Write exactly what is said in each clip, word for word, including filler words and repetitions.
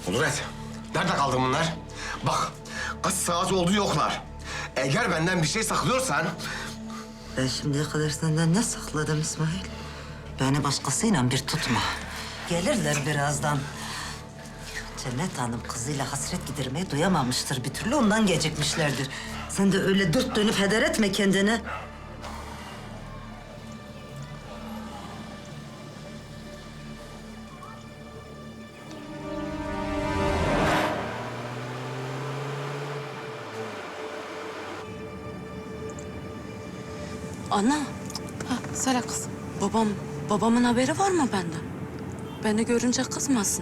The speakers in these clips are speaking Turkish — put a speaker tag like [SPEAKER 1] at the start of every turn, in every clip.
[SPEAKER 1] Kudret, nerede kaldı bunlar? Bak, kaç saat oldu yoklar. Eğer benden bir şey saklıyorsan...
[SPEAKER 2] Ben şimdiye kadar senden ne sakladım İsmail? Beni başkasıyla bir tutma. Gelirler birazdan. Cennet Hanım kızıyla hasret gidermeyi duyamamıştır bir türlü, ondan gecikmişlerdir. Sen de öyle dört dönüp heder etme kendini.
[SPEAKER 3] Ana. Ha, söyle kızım. Babam, babamın haberi var mı benden? Beni görünce kızmasın.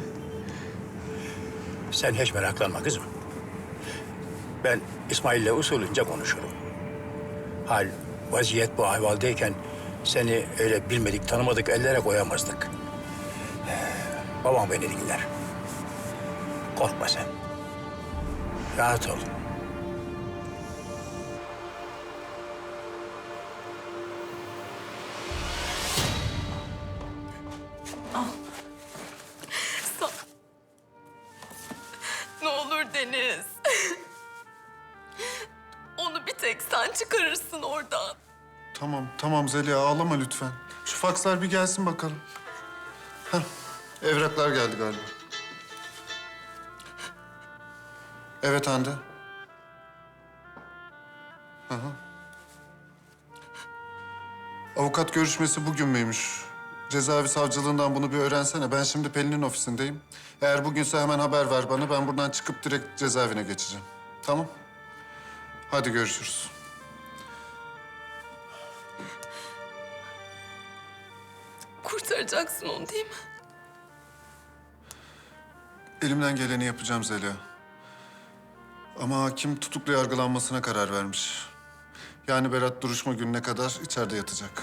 [SPEAKER 4] Sen hiç meraklanma kızım. Ben İsmail'le usulünce konuşurum. Hal, vaziyet bu ahvaldeyken seni öyle bilmedik, tanımadık ellere koyamazdık. Ee, babam beni dinler. Korkma sen. Rahat ol.
[SPEAKER 3] Ne olur Deniz. Onu bir tek sen çıkarırsın oradan.
[SPEAKER 5] Tamam, tamam Zeliha ağlama lütfen. Şu fakslar bir gelsin bakalım. Heh, evraklar geldi galiba. Evet Hande. Hı hı. Avukat görüşmesi bugün müymüş? Cezaevi savcılığından bunu bir öğrensene. Ben şimdi Pelin'in ofisindeyim. Eğer bugünse hemen haber ver bana. Ben buradan çıkıp direkt cezaevine geçeceğim. Tamam? Hadi görüşürüz.
[SPEAKER 3] Kurtaracaksın onu değil mi?
[SPEAKER 5] Elimden geleni yapacağım Zeliha. Ama hakim tutuklu yargılanmasına karar vermiş. Yani Berat duruşma gününe kadar içeride yatacak.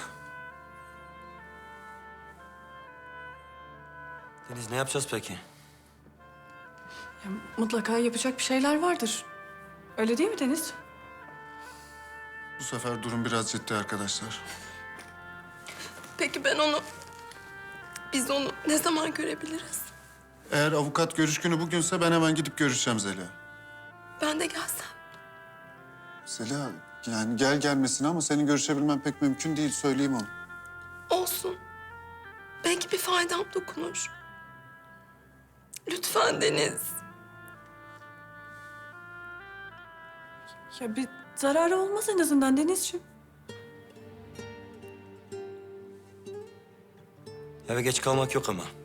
[SPEAKER 6] Deniz ne yapacağız peki?
[SPEAKER 7] Ya, mutlaka yapacak bir şeyler vardır. Öyle değil mi Deniz?
[SPEAKER 5] Bu sefer durum biraz ciddi arkadaşlar.
[SPEAKER 3] Peki ben onu... Biz onu ne zaman görebiliriz?
[SPEAKER 5] Eğer avukat görüş günü bugünse ben hemen gidip görüşeceğim Zeliha.
[SPEAKER 3] Ben de gelsem.
[SPEAKER 5] Zeliha yani gel gelmesin ama senin görüşebilmen pek mümkün değil, söyleyeyim onu.
[SPEAKER 3] Olsun. Belki bir faydam dokunur. Lütfen Deniz.
[SPEAKER 7] Ya bir zararı olmaz en azından Denizciğim.
[SPEAKER 6] Eve geç kalmak yok ama.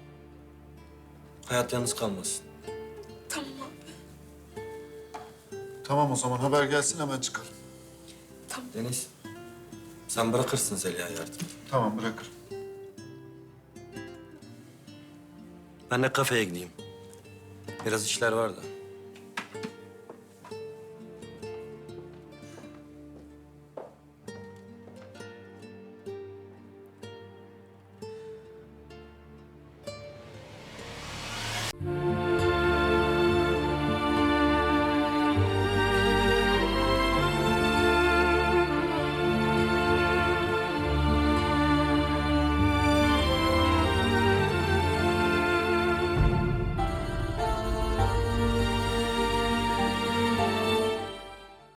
[SPEAKER 6] Hayat yalnız kalmasın.
[SPEAKER 3] Tamam abi.
[SPEAKER 5] Tamam o zaman haber gelsin hemen çıkalım.
[SPEAKER 6] Deniz, sen bırakırsın Zeliha'yı artık.
[SPEAKER 5] Tamam bırakırım.
[SPEAKER 6] Ben de kafeye gideyim. Biraz işler var da.